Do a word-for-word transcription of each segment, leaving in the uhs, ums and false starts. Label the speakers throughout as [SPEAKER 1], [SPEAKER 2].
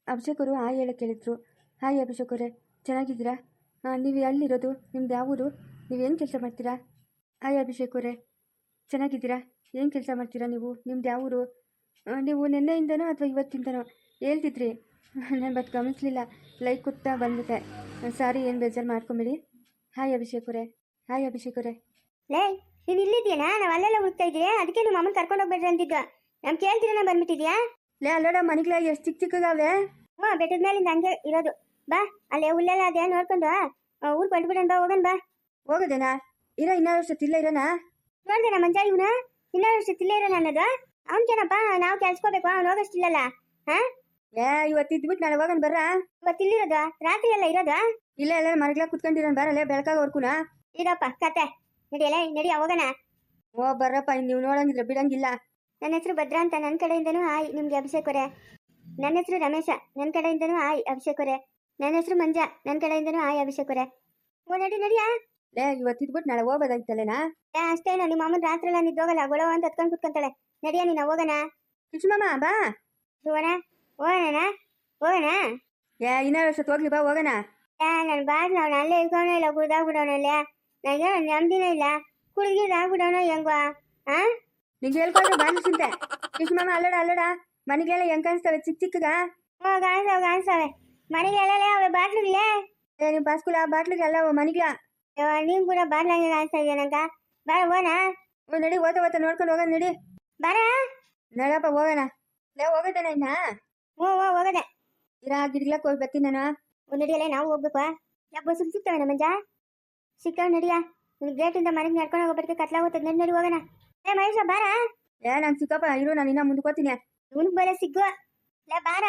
[SPEAKER 1] ಅಭಿಷೇಕ್ ಅವರು ಹಾಯ್ ಹೇಳಕ್ಕೆ ಹೇಳಿದ್ರು. ಹಾಯ್ ಅಭಿಷೇಕ್ ಅವರೇ, ಚೆನ್ನಾಗಿದ್ದೀರಾ? ಹಾಂ, ನೀವು ಎಲ್ಲಿರೋದು? ನಿಮ್ದು ಯಾವ ಊರು? ನೀವೇನು ಕೆಲಸ ಮಾಡ್ತೀರಾ? ಹಾಯ್ ಅಭಿಷೇಕ್ ಅವರೇ, ಚೆನ್ನಾಗಿದ್ದೀರಾ? ಏನು ಕೆಲಸ ಮಾಡ್ತೀರಾ ನೀವು? ನಿಮ್ದು ಯಾವ ಊರು? ನೀವು ನಿನ್ನೆಯಿಂದನೋ ಅಥವಾ ಇವತ್ತಿಂದನೋ ಹೇಳ್ತಿದ್ರಿ, ನಾನು ಬಟ್ ಗಮನಿಸಲಿಲ್ಲ, ಲೈಕ್ ಕೊಡ್ತಾ ಬಂದ್ಬಿಟ್ಟೆ. ಸಾರಿ, ಏನು ಬೇಜಾರು ಮಾಡ್ಕೊಂಬಿಡಿ. ಹಾಯ್ ಅಭಿಷೇಕ್ ಅವರೇ. ಹಾಯ್ ಅಭಿಷೇಕ್ ಅವರೇ.
[SPEAKER 2] ಲೇ, ನೀನು ಇಲ್ಲಿದ್ದೀಯಾ? ನಾವು ಅಲ್ಲೆಲ್ಲ ಹುಡುಕ್ತಾ ಇದ್ದೀಯಾ, ಅದಕ್ಕೆ ನಿಮ್ಮ ಅಮ್ಮನ ಕರ್ಕೊಂಡು ಹೋಗ್ಬೇಡ್ರಿ ಅಂತಿದ್ದ. ನಮ್ಮ ಕೇಳ್ತೀರನ ಬಂದ್ಬಿಟ್ಟಿದ್ಯಾ?
[SPEAKER 1] ಲೇ, ಅಲ್ಲೋಡ ಮನೆಗಳ ಎಷ್ಟು ಚಿಕ್ಕ ಚಿಕ್ಕದಾವೆ.
[SPEAKER 2] ಹ್ಞೂ, ಬೆಟ್ಟದ ಮೇಲಿಂದ ಹಂಗೆ ಇರೋದು. ಬಾ, ಅಲ್ಲೇ ಹುಲ್ಲೆಲ್ಲ ಅದೇ ನೋಡ್ಕೊಂಡು ಊರು ಕೊಟ್ಬಿಡೋಣ. ಬಾ, ಹೋಗೋಣ ಬಾ.
[SPEAKER 1] ಹೋಗೋದೇನಾ? ಇರೋ ಇನ್ನೂರು ವರ್ಷ ತಿಲ್ಲ ಇರೋಣ.
[SPEAKER 2] ನೋಡ್ದೇನ ಮಂಜ ಇವನ ಇನ್ನೂರು ವರ್ಷ ತಿಲ್ಲ ಇರೋಣ ಅನ್ನೋದು. ಅವನ್ಕೇನಪ್ಪ, ನಾವು ಕೆಲ್ಸ್ಕೋಬೇಕು, ಅವ್ನು ಹೋಗೋಷ್ಟಿಲ್ಲಲ್ಲ. ಹಾ,
[SPEAKER 1] ಏ ಇವತ್ತು ಇದ್ಬಿಟ್ಟು ನಾಳೆ ಹೋಗೋಣ ಬರ್ರ.
[SPEAKER 2] ಇವತ್ತು ಇಲ್ಲಿರೋದು, ರಾತ್ರಿ ಎಲ್ಲ ಇರೋದು.
[SPEAKER 1] ಇಲ್ಲ ಎಲ್ಲ ಮನೆಗಳ ಕುತ್ಕೊಂಡಿರೋಣ, ಬರಲ್ಲ ಬೆಳಕಾಗವರ್ಕುನಾ.
[SPEAKER 2] ಇದಪ್ಪ ಕತೆ, ನಡಿಯಲ್ಲ, ನಡಿ ಹೋಗೋಣ.
[SPEAKER 1] ಓ ಬರ್ರಪ್ಪ, ನೀವು ನೋಡಂಗಿದ್ರೆ ಬಿಡಂಗಿಲ್ಲ.
[SPEAKER 2] ನನ್ನ ಹೆಸರು ಭದ್ರಾ ಅಂತ, ನನ್ನ ಕಡೆಯಿಂದನೂ ಹಾಯ್ ನಿಮ್ಗೆ ಅಭಿಷೇಕ್ ಅವರೇ. ನನ್ನ ಹೆಸರು ರಮೇಶ, ನನ್ನ ಕಡೆಯಿಂದನೂ ಹಾಯ್ ಅಭಿಷೇಕ್ ಅವರೇ. ನನ್ನ ಹೆಸರು ಮಂಜಾ, ನನ್ನ ಕಡೆಯಿಂದನೂ ಹಾಯ್ ಅಭಿಷೇಕ್ ಅವರೇ. ಓ ನಡಿ ನಡಿಯಾ.
[SPEAKER 1] ಲೇ, ಇವತ್ತು ಇದ್ಬಿಟ್ಟು ನಾಳೆ ಹೋಗೋದಾಗಿತ್ತಲ್ಲೇನಾ?
[SPEAKER 2] ಏ ಅಷ್ಟೇನೋ, ನಿಮ್ಮ ಅಮ್ಮನ ರಾತ್ರಿ ಎಲ್ಲ ನಿದ್ದೋಗಲ್ಲ, ಗೊಳವ ಅಂತ ಹತ್ಕೊಂಡು ಕುತ್ಕೊಂತಾಳೆ. ನಡಿಯಾ ನೀನು, ಹೋಗೋಣ.
[SPEAKER 1] ಕೃಷ್ಣಮ್ಮ ಬಾ.
[SPEAKER 2] ಹೋಗೋಣ ಹೋಗೋಣ ಹೋಗೋಣ.
[SPEAKER 1] ಏ ಇನ್ನೂರು ವರ್ಷ ಹೋಗ್ಲಿ ಬಾ, ಹೋಗೋಣ.
[SPEAKER 2] ಏ ನನ್ನ ಬಾಡ್ ನಾವು ಅಲ್ಲೇ ಇಳ್ಕೋಣ, ಇಲ್ಲ ಕುಡ್ದಾಗ್ಬಿಡೋಣಲ್ಲ. ನನಗೆ ನೆಮ್ಮದಿನೇ ಇಲ್ಲ, ಕುಡ್ಗಿದಾಗ್ಬಿಡೋಣ ಹೆಂಗ? ಹಾ,
[SPEAKER 1] ನಿಂಗೆ ಹೇಳ್ಕೊಂಡ್ರೆ ಬಾಂಡ್ಲಿ ಚಿಂತೆ. ಕೃಷ್ಣಮ್ಮ ಅಲ್ಲಡ ಅಲ್ಲಡ, ಮನೆಗೆಲ್ಲ ಹೆಂಗ್ ಕಾಣಿಸ್ತವೆ ಚಿಕ್ಕ ಚಿಕ್ಕಗ?
[SPEAKER 2] ಹ್ಞೂ ಕಾಣಿಸ್ತಾವೆ ಕಾಣಿಸ್ತಾವೆ, ಮನೆಗೆಲ್ಲ ಅವೆ ಬಾಟ್ಲಿಗಳೇ.
[SPEAKER 1] ಏ ನಿಮ್ಮ ಪಾಸ್ಕುಲ ಬಾಟ್ಲಿಗೆ ಅಲ್ಲ ಮನೆಗ್ಲ.
[SPEAKER 2] ನೀನು ಕೂಡ ಬಾಟ್ಲಂಗೆ ಕಾಣಿಸ್ತಾ ಇದೆಯಾ ನಂಗ? ಬಾರ ಹೋಗೋಣ.
[SPEAKER 1] ಹ್ಞೂ ನಡಿ, ಓದ ಓದ ನೋಡ್ಕೊಂಡು ಹೋಗೋಣ ನಡಿ.
[SPEAKER 2] ಬಾರ
[SPEAKER 1] ನಡಪ್ಪ ಹೋಗೋಣ. ಲೇ ಹೋಗೋದೇನ ಇನ್ನ?
[SPEAKER 2] ಹ್ಞೂ ಹ್ಞೂ ಹೋಗೋದೆ.
[SPEAKER 1] ಇರಾ ಗಿಡ್ಲಕ್ಕೆ ಹೋಗಿ ಬರ್ತೀನಿ ನಾನು.
[SPEAKER 2] ಒಂದು ನಡಿಯಲ್ಲ, ನಾವು ಹೋಗ್ಬೇಕು. ಯಾಕೆ ಬಸ್ ಸಿಗ್ತವೆ ನಮ್ಮ ಮಂಜ? ಸಿಗ್ತಾವೆ ನಡಿಯ. ನಿನ್ ಗೇಟಿಂದ ಮನೆಗೆ ನಡ್ಕೊಂಡು ಹೋಗ್ಬರ್ತೀವಿ, ಕತ್ಲಾಗೋತದ. ನಡಿ ನಡಿ ಹೋಗೋಣ. ಏ ಮಹೇಶ ಬಾರ.
[SPEAKER 1] ಏ ನಂಗೆ ಸಿಕ್ಕಪ್ಪ, ಇರು ನಾನು ಇನ್ನ ಮುಂದಕ್ಕೆ ಹೋಗ್ತೀನಿ.
[SPEAKER 2] ಇವನಿಗೆ ಬರ ಸಿಗ್ಗುವ. ಲೇ ಬಾರ.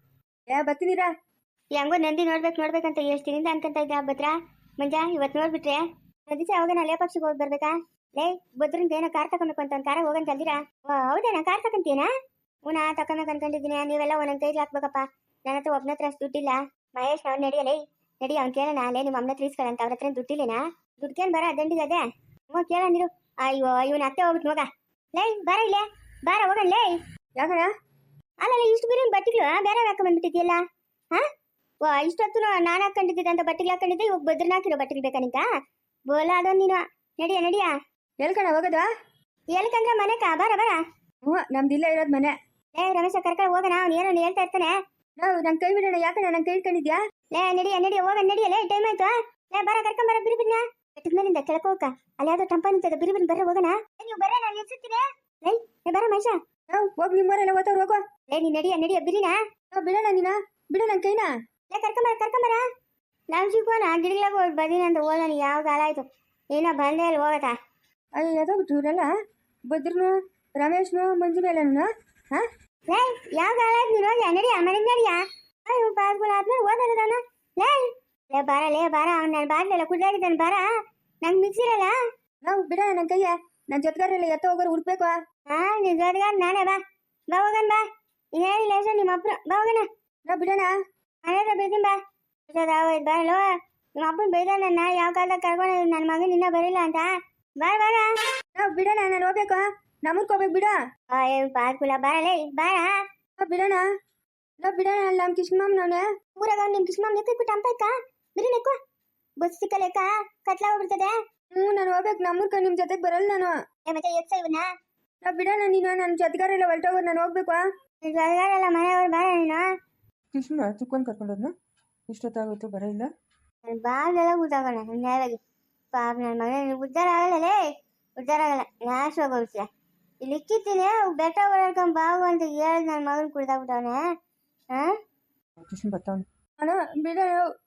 [SPEAKER 1] ಏ ಬರ್ತೀನಿರಾ.
[SPEAKER 2] ಹೆಂಗೋ ನಂದಿ ನೋಡ್ಬೇಕು ನೋಡ್ಬೇಕಂತ ಎಷ್ಟು ದಿನದಿಂದ ಅನ್ಕೊಂತ ಇದ್ದೆ. ಭದ್ರ ಮಂಜ ಇವತ್ತು ನೋಡ್ಬಿಟ್ರೆ ದಿವಸ ಹೋಗೋಣ. ಲೇ ಪಕ್ಷಿಗೆ ಹೋಗಿ ಬರ್ಬೇಕಾ? ಲೇ ಭದ್ರಂತ ಏನೋ ಕಾರ್ ತಗೊಬೇಕು ಅಂತ ಒಂದು ಕಾರ ಹೋಗೋಣ ಕಲ್ದಿರಾ? ಓ ಹೌದೇನಾ, ಕಾರ್ ತಗೊಂತೀನಾ? ಹೂನಾ ತಗೊಂಬೇಕು ಅನ್ಕೊಂಡಿದ್ದೀನಿ. ನೀವೆಲ್ಲ ಒಂದೊಂದು ಕೈಗೆ ಹಾಕ್ಬೇಕಪ್ಪ. ನನ್ನ ಹತ್ರ ಒಬ್ಬನ ಹತ್ರ ಅಷ್ಟು ದುಡ್ಡಿಲ್ಲ. ಮಹೇಶ್ ಅವ್ನು ನಡಿಯಲೇ ನಡಿ, ಅವ್ನು ಕೇಳೋಣ. ಅಲ್ಲೇ ನಿಮ್ಮ ಅಮ್ಮನ ಹತ್ರ ಇಸ್ಕೊಳ್ಳಂತ, ಅವ್ರ ಹತ್ರ ದುಡ್ಡಿಲ್ಲೇನಾ? ದುಡ್ಕೇನು ಬರ ದಂಡಿಗೆ ಅದೇ. ಹ್ಞೂ ಕೇಳ ನೀರು. ಅಯ್ಯೋ ಇವನ ಅತ್ತೆ ಹೋಗ್ಬಿಟ್ಟು ಹೋಗ. ಲೇ ಬಾರ ಇಲ್ಲೇ ಬಾರ ಹೋಗೋಣ. ಲೇ
[SPEAKER 1] ಯಾಕಣ?
[SPEAKER 2] ಅಲ್ಲಲ್ಲ ಇಷ್ಟು ಬಿರಿಯಾನಿ ಬಟ್ಟೆಗಳು ಬೇರೆ ಹಾಕ ಬಂದ್ಬಿಟ್ಟಿದ್ಯಲ್ಲ. ಹಾ, ವಾ ಇಷ್ಟೊತ್ತು ನಾನು ಹಾಕೊಂಡಿದ್ದೆ ಅಂತ ಬಟ್ಟೆಗೆ ಹಾಕೊಂಡಿದ್ದೆ. ಇವಾಗ ಭದ್ರನ ಹಾಕಿರೋ ಬಟ್ಟೆಗೆ ಬೇಕಾ ನಿಂಕ? ಬೋಲ ಅದೋ ನೀನು. ನಡಿಯ ನಡಿಯ.
[SPEAKER 1] ಹೇಳ್ಕಣ ಹೋಗೋದಾ?
[SPEAKER 2] ಎಲ್ಕಂದ್ರೆ ಮನೆಕ ಬಾರ ಬಾರ.
[SPEAKER 1] ಹ್ಞೂ ನಮ್ದು ಇಲ್ಲ ಇರೋದು ಮನೆ.
[SPEAKER 2] ಲೇ ರಮೇಶ ಕರ್ಕೊಂಡು ಹೋಗೋಣ, ಅವ್ನು ಏನೋ ಹೇಳ್ತಾ ಇರ್ತಾನೆ.
[SPEAKER 1] ನಾವು ನಂಗೆ ಕೈ ಬಿಡೋಣ. ಯಾಕಣ್ಣ ನಂಗೆ ಕೈ ಇಟ್ಕೊಂಡಿದ್ಯಾ?
[SPEAKER 2] ಲೇ ನಡಿಯ ನಡಿಯ ಹೋಗೋಣ ನಡಿಯ. ಲೇ ಟೈಮ್ ಆಯ್ತು. ಲೇ ಬಾರ ಕರ್ಕೊಂಡ್ ಬರ ಬಿರಿ ಬಿರಿನ. ಬೆಟ್ಟದ ಮೇಲಿಂದ ಕೆಳಕ್ಕೆ ಹೋಗಕ್ಕ, ಅಲ್ಲಿ ಯಾವ್ದೋ ಟಂಪ ನಿಂತದ. ಬಿರಿ ಬಿರಿ ಬರ್ರ ಹೋಗೋಣ. ನೀವು ಬರ್ರ, ನಾನು ನಿಲ್ಸುತ್ತೀನಿ. ಲೇ ಲೇ ಬರ ಮಹೇಶ.
[SPEAKER 1] ನಾವು ಹೋಗಿ ನಿಮ್ಮವರೆಲ್ಲ ಓದವ್ರು ಹೋಗೋ.
[SPEAKER 2] ಲೇ ನೀ ನಡಿಯ ನಡಿಯ ಬಿರಿನ.
[SPEAKER 1] ನಾವು ಬಿಡೋಣ ನೀನ, ಬಿಡೋ ನನ್ನ ಕೈನ.
[SPEAKER 2] ಲೇ ಕರ್ಕೊಂಬರ ಕರ್ಕೊಂಬರ. ನಾವು ಸಿಗೋಣ ಗಿಡಗಳಾಗ ಹೋಗಿ ಬದೀನಿ ಅಂತ ಹೋಗೋಣ. ಯಾವ ಕಾಲ ಆಯ್ತು ಏನೋ ಬಂದೇ ಅಲ್ಲಿ ಹೋಗತ್ತಾ.
[SPEAKER 1] ಅಯ್ಯೋ ಯಾವ್ದೋ ಬಿಟ್ರು ಇವರೆಲ್ಲ, ಭದ್ರನು ರಮೇಶ್ನು ಮಂಜುನು ಎಲ್ಲನೂ. ಹಾಂ
[SPEAKER 2] ಲೇ ಯಾವ ಕಾಲ ಆಯ್ತು ನೀನು ಹೋಗಿ ನಡಿಯ ಮನೆಗೆ ನಡಿಯ. ಅಯ್ಯೋ ಪಾಸ್ಗಳು ಆದ್ಮೇಲೆ ಓದೋದಾನ. ಲೇ ಲೇ ಬಾರ ಲೇ ಬಾರ. ಅವ್ನು ನನ್ನ ಬಾಟ್ಲೆಲ್ಲ ಕುಡ್ದಾಗಿದ್ದಾನೆ ಬಾರ. ನಂಗೆ ಮಿಕ್ಸಿರಲ್ಲ.
[SPEAKER 1] ನಾವು ಬಿಡೋಣ ನನ್ನ ಕೈಯ. ನನ್ನ ಜೊತೆಗಾರರೆಲ್ಲ ಎತ್ತ ಹೋಗೋರು ಹುಡ್ಬೇಕು.
[SPEAKER 2] ಹಾಂ ನಿನ್ನ ಜೊತೆಗಾರ ನಾನೇ. ಬಾ ಬಾ ಹೋಗೋಣ ಬಾ. ಈಗ ಹೇಳಿಲ್ಲ ಸರ್ ನಿಮ್ಮ ಅಪ್ಪನ. ಬಾ ಹೋಗೋಣ.
[SPEAKER 1] ನಾವು ಬಿಡೋಣ.
[SPEAKER 2] ಮನೆ ಹತ್ರ ಬೈತೀನಿ ಬಾ. ಆಗೋಯ್ತು ಬಾರಲ್ಲೋ. ನಿಮ್ಮ ಅಪ್ಪನ ಬೈದ ನನ್ನ ಯಾವ ಕಾಲದಾಗ ಕರ್ಕೊಂಡು ನನ್ನ ಮಗನ ಇನ್ನೂ ಬರಿಲ್ಲ ಅಂತ. ಬಾರ ಬಾರ.
[SPEAKER 1] ನಾವು ಬಿಡೋಣ, ನಾನು ಹೋಗ್ಬೇಕು. ನಮ್ಮೂರ್ಗೆ ಹೋಗ್ಬೇಕು ಬಿಡ.
[SPEAKER 2] ಅಯ್ಯೋ ಪಾಸ್ಕುಲ ಬಾರಲೇ ಬಾರ.
[SPEAKER 1] ನಾವು ಬಿಡೋಣ. ನಾವು ಬಿಡೋಣ. ಅಲ್ಲ ನಮ್ಮ ಕಿಶ್ಮಾಮ್ನವನೇ
[SPEAKER 2] ಊರಾಗ ನಿಮ್ಮ ಕಿಶ್ಮಾಮ್ ನೆಕ್ಕಿಬಿಟ್ಟು ಅಂಪಯ್ಕ ಬಿರಿ ನೆಕ್ಕು. ಬಸ್ ಸಿಕ್ಕಲೆಕ್ಕ ಕತ್ಲ ಹೋಗ್ಬಿಡ್ತದೆ.
[SPEAKER 1] ಹ್ಞೂ ನಾನು ಹೋಗ್ಬೇಕು. ನಮ್ಮೂರ್ಕ ನಿಮ್ಮ ಜೊತೆಗೆ ಬರಲ್ಲ ನಾನು.
[SPEAKER 2] ಏ ಮತ್ತೆ ಎತ್ತ ಇವನ್ನ.
[SPEAKER 1] ನಾವು ಬಿಡೋಣ. ನೀನು ನನ್ನ ಜೊತೆಗಾರೆಲ್ಲ ಹೊರಟೋಗೋರು, ನಾನು ಹೋಗ್ಬೇಕು.
[SPEAKER 2] ಜೊತೆಗಾರೆಲ್ಲ ಮನೆಯವ್ರು ಬಾರ ನೀನು.
[SPEAKER 1] ಕೃಷ್ಣ ಚಿಕ್ಕವನ್ ಕರ್ಕೊಂಡೋದ್ನ ಇಷ್ಟೊತ್ತಾಗೋಯ್ತು ಬರ ಇಲ್ಲ.
[SPEAKER 2] ನನ್ನ ಬಾಗ್ಲೆಲ್ಲ ಊಟಾಗೋಣ ನ್ಯಾಯವಾಗಿ. ಪಾಪ ನನ್ನ ಮಗನ ಉದ್ದಾರ ಆಗಲ್ಲಲೇ, ಉದ್ದಾರ ಆಗಲ್ಲ. ನಾಶವಾಗಿ ಹೋಗ್ತೀಯ. ಇಲ್ಲಿ ಇಕ್ಕಿತ್ತೀನಿ ಬೆಟ್ಟ ಓಡಾಡ್ಕೊಂಡು ಬಾವು ಅಂತ ಹೇಳಿ ನನ್ನ ಮಗನ ಕುಡ್ದಾಗ್ಬಿಟ್ಟವನೆ. ಹಾಂ
[SPEAKER 1] ಕೃಷ್ಣ ಬರ್ತಾವನೆ. ಅಣ್ಣ ಬಿಡು,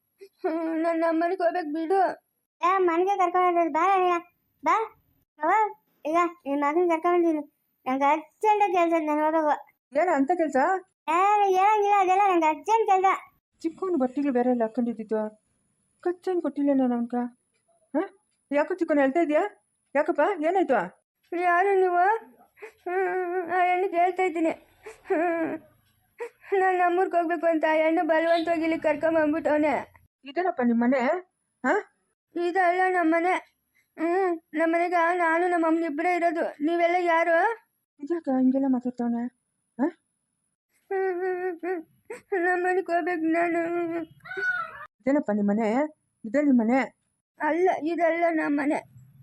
[SPEAKER 1] ನನ್ನ ನಮ್ಮನೆಗೆ ಹೋಗ್ಬೇಕು ಬಿಡು.
[SPEAKER 2] ಏ ಮನೆಗೆ ಕರ್ಕೊಂಡು ಬಾರ ನೀನ ಬಾ. ಅವ ಈಗ ನಿನ್ನ ಮಗನ ಕರ್ಕೊಂಡಿದ್ದೀನಿ. ನಂಗೆ ಅರ್ಜೆಂಟಾಗಿ ಕೆಲಸ. ನಾನು ಹೋಗಬೇಕು.
[SPEAKER 1] ಏನ ಅಂತ ಕೆಲಸ?
[SPEAKER 2] ಏ ಹೇಳಂಗಿಲ್ಲ ಅದೆಲ್ಲ. ನಂಗೆ ಅರ್ಜೆಂಟ್ ಕೆಲಸ.
[SPEAKER 1] ಚಿಕ್ಕವನು ಬಟ್ಟೆಗಳು ಬೇರೆ ಎಲ್ಲ ಹಾಕೊಂಡಿದ್ದಿತ್ತು. ಕಚ್ಚನ್ ಕೊಟ್ಟಿಲ್ಲ ನಾನು ಅವನ್ಕ. ಹಾಂ ಯಾಕೋ ಚಿಕ್ಕವನು ಹೇಳ್ತಾ ಇದೆಯಾ? ಯಾಕಪ್ಪ ಏನಾಯ್ತು? ಯಾರು ನೀವು? ಆ ಹೆಣ್ಣಿಗೆ ಹೇಳ್ತಾ ಇದ್ದೀನಿ. ನಾನು ನಮ್ಮೂರ್ಗೆ ಹೋಗ್ಬೇಕು ಅಂತ ಆ ಹೆಣ್ಣು ಬಲವಂತವಾಗಿ ಇಲ್ಲಿ ಕರ್ಕೊಂಬಂದ್ಬಿಟ್ಟವನೆ. ಇದೇನಪ್ಪ ನಿಮ್ಮ ಮನೆ? ಹಾಂ ಇದಲ್ಲ ನಮ್ಮ ಮನೆ. ಹ್ಞೂ ನಮ್ಮ ಮನೆಗೆ ನಾನು ನಮ್ಮ ಅಮ್ಮನ ಇಬ್ಬರೇ ಇರೋದು. ನೀವೆಲ್ಲ ಯಾರು? ಇದ್ಯಾಕ ಹಿಂಗೆಲ್ಲ ಮಾತಾಡ್ತವನೆ? ಹಾಂ ನಮ್ಮ ಮನೆಗೆ ಹೋಗ್ಬೇಕು ನಾನು.
[SPEAKER 3] ಇದೇನಪ್ಪ ನಿಮ್ಮ ಮನೆ? ಇದೇ ನಿಮ್ಮ ಮನೆ?
[SPEAKER 1] ಅಲ್ಲ, ಇದಲ್ಲ ನಮ್ಮ ಮನೆ.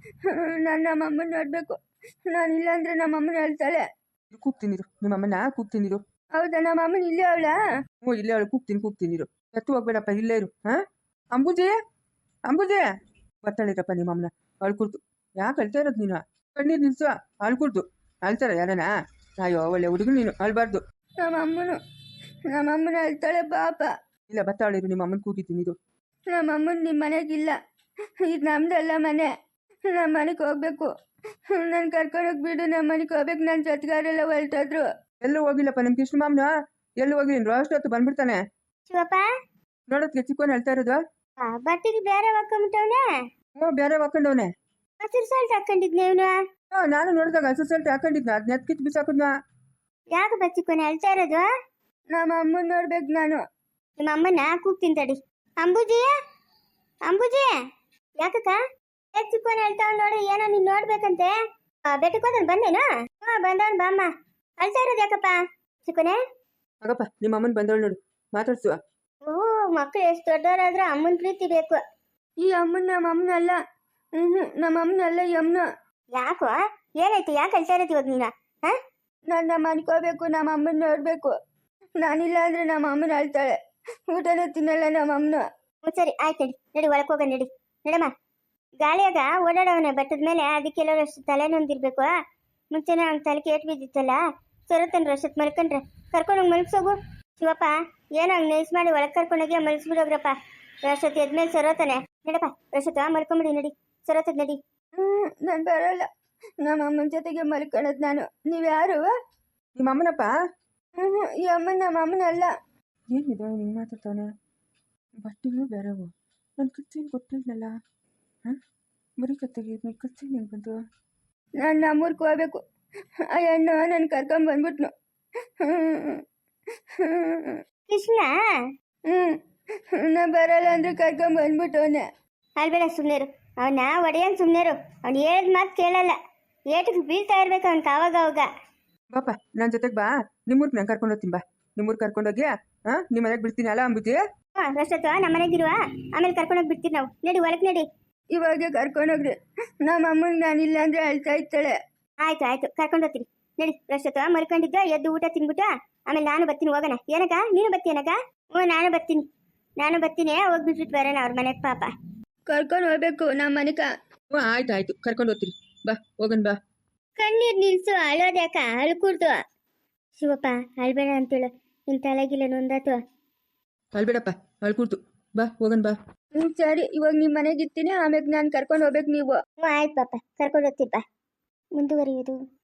[SPEAKER 1] ನಾನು ನಮ್ಮ ಅಮ್ಮನ ನೋಡಬೇಕು. ನಾನು ಇಲ್ಲಾಂದ್ರೆ ನಮ್ಮ ಅಮ್ಮನ ಹೇಳ್ತಾಳೆ.
[SPEAKER 3] ಕೂಗ್ತೀನಿರು, ನಿಮ್ಮ ಅಮ್ಮನ ಕೂಗ್ತೀನಿರು.
[SPEAKER 1] ಹೌದಾ, ನಮ್ಮ ಅಮ್ಮನ ಇಲ್ಲೇ ಅವಳಾ?
[SPEAKER 3] ಹ್ಞೂ, ಇಲ್ಲೇ ಅವಳು. ಕೂಗ್ತೀನಿ ಕೂಗ್ತೀನಿರು. ಎತ್ತು ಹೋಗ್ಬೇಡಪ್ಪ, ಇಲ್ಲೇ ಇರು. ಹಾಂ ಅಂಬುಜಿ, ಅಂಬುಜಿ ಬರ್ತಾಳಿರಪ್ಪ ನಿಮ್ಮ ಅಮ್ಮನ. ಅಳ್ಕುಡ್ದು ಯಾಕೆ ಅಳ್ತಾ ಇರೋದು ನೀನು? ಕಣ್ಣೀರು ನಿಲ್ಸು. ಅಳ್ಕುಡ್ದು ಅಳ್ತಾರ ಯಾರನ? ಅಯ್ಯೋ ಒಳ್ಳೆ ಹುಡುಗರು ನೀನು, ಅಳ್ಬಾರ್ದು.
[SPEAKER 1] ನಮ್ಮ ಅಮ್ಮನು ನಮ್ಮ ಅಮ್ಮನ ಹೇಳ್ತಾಳೆ ಪಾಪ.
[SPEAKER 3] ಇಲ್ಲ ಬರ್ತಾಳಿರು, ನಿಮ್ಮ ಅಮ್ಮನ ಕೂಗಿದ್ದೀನಿ ಇದು.
[SPEAKER 1] ನಮ್ಮ ಅಮ್ಮನ ನಿಮ್ಮ ಮನೆಗಿಲ್ಲ. ಇದು ನಮ್ದಲ್ಲ ಮನೆ. ನಮ್ಮ ಮನೆಗೆ ಹೋಗ್ಬೇಕು. ನಾನು ಕರ್ಕೊಂಡೋಗ್ಬಿಡು, ನಮ್ಮ ಮನೆಗೆ ಹೋಗ್ಬೇಕು. ನನ್ನ ಜೊತೆಗಾರೆಲ್ಲ ಹೊರಟೋದ್ರು.
[SPEAKER 3] ಎಲ್ಲೂ ಹೋಗಿಲ್ಲಪ್ಪ ನಿಮ್ಮ ಕೃಷ್ಣ ಮಾಮನ. ಎಲ್ಲೂ ಹೋಗಿಲ್ಲ. ಅಷ್ಟೊತ್ತು ಬಂದ್ಬಿಡ್ತಾನೆ.
[SPEAKER 2] ಶಿವಪ್ಪ
[SPEAKER 3] ನೋಡೋದಕ್ಕೆ ಚಿಕ್ಕವನು ಹೇಳ್ತಾ ಇರೋದು.
[SPEAKER 2] ಬಟ್ಟೆಗೆ ಬೇರೆ ಹಾಕೊಂಬಿಟ್ಟವನೆ.
[SPEAKER 3] ಹ್ಞೂ, ಬೇರೆ ಹಾಕೊಂಡವನೆ.
[SPEAKER 2] ಹಸಿರು ಸಾಲ್ಟ್ ಹಾಕೊಂಡಿದ್ನೆ ಇವನು.
[SPEAKER 3] ಹಾಂ, ನಾನು ನೋಡಿದಾಗ ಹಸು ಸಲ್ಟ್ ಹಾಕೊಂಡಿದ್ನ. ಅದ್ ನೆತ್ಕಿತ್ ಬಿಸಾಕದ್ನ.
[SPEAKER 2] ಯಾಕೆ ಬಚ್ಚಿಕೊನೆ ಹೇಳ್ತಾ ಇರೋದು?
[SPEAKER 1] ನಮ್ಮ ಅಮ್ಮನ ನೋಡ್ಬೇಕು ನಾನು.
[SPEAKER 2] ನಿಮ್ಮ ಅಮ್ಮನ ಕೂಗ್ತೀನಿ ತಡಿ. ಅಂಬುಜಿ, ಅಂಬುಜಿ ಯಾಕಕ್ಕ ಯಾಕೆ ಚಿಕ್ಕೋನೆ ಹೇಳ್ತಾವ್ ನೋಡು. ಏನೋ ನೀನ್ ನೋಡ್ಬೇಕಂತೆ. ಬೆಟ್ಟಕ್ಕೆ ಹೋದನ್ ಬಂದೇನು? ಹಾ ಬಂದವನ್ ಬಾಮ್ಮ. ಅಳ್ತಾ ಇರೋದು ಯಾಕಪ್ಪ ಚಿಕ್ಕೋನೆ?
[SPEAKER 3] ಆಗಪ್ಪ ನಿಮ್ಮ ಅಮ್ಮನ ಬಂದವಳು ನೋಡು, ಮಾತಾಡ್ಸುವ.
[SPEAKER 2] ಓ, ಮಕ್ಳು ಎಷ್ಟು ದೊಡ್ಡವರಾದ್ರೆ ಅಮ್ಮನ ಪ್ರೀತಿ ಬೇಕು.
[SPEAKER 1] ಈ ಅಮ್ಮನ ನಮ್ಮ ಅಮ್ಮನಲ್ಲ. ಹ್ಞೂ, ನಮ್ಮ ಅಮ್ಮನಲ್ಲ ಈ ಅಮ್ಮನ.
[SPEAKER 2] ಯಾಕೋ ಏನಾಯ್ತು? ಯಾಕೆ ಅಳ್ತಾ ಇರೋದು ಇವಾಗ ನೀನ? ಹಾ,
[SPEAKER 1] ನಾನು ನಮ್ಮ ಮನೆಗೆ ಹೋಗ್ಬೇಕು. ನಮ್ಮ ಅಮ್ಮನ ನೋಡಬೇಕು. ನಾನಿಲ್ಲ ಅಂದ್ರೆ ನಮ್ಮ ಅಮ್ಮನ ಅಳ್ತಾಳೆ. ಊಟನೇ ತಿನ್ನಲ್ಲ ನಮ್ಮ ಅಮ್ಮನ.
[SPEAKER 2] ಹ್ಞೂ ಸರಿ ಆಯ್ತು, ನಡಿ ನಡಿ ಒಳಗೆ ಹೋಗ. ನಡಿ ನಡಮ್ಮ. ಗಾಳಿಯಾಗ ಓಡಾಡವನ ಬೆಟ್ಟದ ಮೇಲೆ. ಅದಕ್ಕೆಲ್ಲರೂ ಅಷ್ಟು ತಲೆ ನೊಂದಿರ್ಬೇಕು. ಮುಂಚೆನೇ ಅವ್ನ ತಲೆ ಕೇಟ್ ಬಿದ್ದಿತ್ತಲ್ಲ. ಸೊರತನ್ರ ಅಷ್ಟೊತ್ತು ಮಲ್ಕೊಂಡ್ರೆ ಕರ್ಕೊಂಡೋಗಿ ಮಲ್ಸೋಗು. ಶಿವಪ್ಪ ಏನೋ ಹಂಗೆ ನೈಸ್ ಮಾಡಿ ಒಳಗೆ ಕರ್ಕೊಂಡೋಗಿ ಮಲ್ಸ್ಬಿಡೋಗ್ರಪ್ಪ. ರಶತ್ ಎದ್ಮೇಲೆ ಸೊರತಾನೆ. ನಡಪ್ಪ ರಶತ್ ಮಲ್ಕೊಂಬಿಡಿ. ನಡಿ ಸೊರತದ್ ನಡಿ.
[SPEAKER 1] ಹ್ಞೂ, ನಾನು ಬರೋಲ್ಲ. ನಮ್ಮ ಅಮ್ಮನ ಜೊತೆಗೆ ಮಲ್ಕೊಳ್ಳೋದು ನಾನು. ನೀವು ಯಾರು?
[SPEAKER 3] ನಿಮ್ಮ ಅಮ್ಮನಪ್ಪ.
[SPEAKER 1] ಹ್ಞೂ, ಈ ಅಮ್ಮನ ನಮ್ಮ ಅಮ್ಮನಲ್ಲ.
[SPEAKER 3] ಏನಿದು ಹಿಂಗೆ ಮಾತಾಡ್ತಾನೆ? ಬಟ್ಟೆಗಳು ಬೇರೆವು. ನನ್ನ ಕಚ್ಚೇನು ಗೊತ್ತಿಲ್ಲಲ್ಲ. ಹಾಂ, ಬರೀ ಕತ್ತೆಗೆ ಕಚ್ಚೇನು ಹೆಂಗೆ ಬಂತು?
[SPEAKER 1] ನಾನು ನಮ್ಮೂರ್ಗೆ ಹೋಗ್ಬೇಕು. ಆ ಹೆಣ್ಣು ನನ್ನ ಕರ್ಕೊಂಬಂದ್ಬಿಟ್ನು.
[SPEAKER 2] ಕೃಷ್ಣ
[SPEAKER 1] ಹ್ಞೂ, ನಾ ಬರಲ್ಲ ಅಂದ್ರೆ ಕರ್ಕೊಂಬಂದ್ಬಿಟ್ಟವನೆ.
[SPEAKER 2] ಅಲ್ಬೇಡ ಸುಮ್ಮನೆರು. ಅವನ ಒಡೆಯನ್ ಸುಮ್ಮನೆರು. ಅವ್ನು ಹೇಳಿದ ಮಾತು ಕೇಳಲ್ಲ. ಏಟಕ್ಕೆ ಬೀಳ್ತಾ ಇರ್ಬೇಕು ಅವ್ನಿಗೆ ಆವಾಗ ಅವಾಗ.
[SPEAKER 3] ಬಾಪ ನನ್ನ ಜೊತೆಗೆ ಬಾ. ನಿಮ್ಮೂರ್ಗೆ ನಾನು ಕರ್ಕೊಂಡು ಹೋಗ್ತೀನಿ. ಬಾ ನಿಮ್ಮೂರ್ಗೆ ಕರ್ಕೊಂಡೋಗಿ ಹಾಂ ನಿಮ್ಮ ಮನೆಗೆ ಬಿಡ್ತೀನಿ ಅಲ್ಲ ಅಂಬುಜಿ.
[SPEAKER 2] ಹಾಂ ರಶತ್ವ ನಮ್ಮ ಮನೆಗಿರುವ. ಆಮೇಲೆ ಕರ್ಕೊಂಡೋಗಿ ಬಿಡ್ತೀವಿ ನಾವು. ನಡಿ ಒಳಗೆ ನಡಿ.
[SPEAKER 1] ಇವಾಗೆ ಕರ್ಕೊಂಡೋಗ್ರಿ. ನಮ್ಮ ಅಮ್ಮನಿಗೆ ನಾನಿಲ್ಲ ಅಂದ್ರೆ ಅಳ್ತಾ ಇರ್ತಾಳೆ.
[SPEAKER 2] ಆಯ್ತು ಆಯ್ತು ಕರ್ಕೊಂಡು ಹೋಗ್ತೀರಿ. ನಡಿ ರಶತ್ವ ಮಲ್ಕೊಂಡಿದ್ದ ಎದ್ದು ಊಟ ತಿನ್ಬಿಟ್ಟು ಆಮೇಲೆ ನಾನು ಬರ್ತೀನಿ. ಹೋಗೋಣ. ಏನಕ್ಕ ನೀನು ಬರ್ತೀನಕ್ಕ? ಹ್ಞೂ ನಾನು ಬರ್ತೀನಿ. ನಾನು ಬರ್ತೀನಿ. ಹೋಗ್ಬಿಟ್ಬಿಟ್ಟು ಬರೋಣ ಅವ್ರ ಮನೆಗೆ ಪಾಪ.
[SPEAKER 1] ಕರ್ಕೊಂಡು ಹೋಗ್ಬೇಕು ನಮ್ಮ ಮನೆಗೆ.
[SPEAKER 3] ಹ್ಞೂ ಆಯ್ತು ಆಯ್ತು ಕರ್ಕೊಂಡು ಹೋಗ್ತೀರಿ. ಬಾ ಹೋಗೋಣ ಬಾ.
[SPEAKER 2] ಕಣ್ಣೀರು ನಿಲ್ಸು. ಅಳೋದ್ಯಾಕ? ಅಳ್ಕೂಡ್ದು. ಶಿವಪ್ಪ ಅಳ್ಬೇಡ ಅಂತೇಳು. ನಿನ್ನ ತಲೆಗಿಲ್ಲ ನೊಂದಾತು.
[SPEAKER 3] ಅಲ್ಬೇಡಪ್ಪ, ಅಳ್ಕೂಡ್ತು. ಬಾ ಹೋಗೋಣ ಬಾ.
[SPEAKER 1] ಹ್ಞೂ ಸರಿ, ಇವಾಗ ನಿಮ್ಮ ಮನೆಗೆ ಇರ್ತೀನಿ. ಆಮೇಲೆ ನಾನು ಕರ್ಕೊಂಡು ಹೋಗ್ಬೇಕು ನೀವು.
[SPEAKER 2] ಹ್ಞೂ ಆಯ್ತು ಪಾಪ ಕರ್ಕೊಂಡು ಹೋಗ್ತೀರಿ ಬಾ. ಮುಂದುವರಿಯೋದು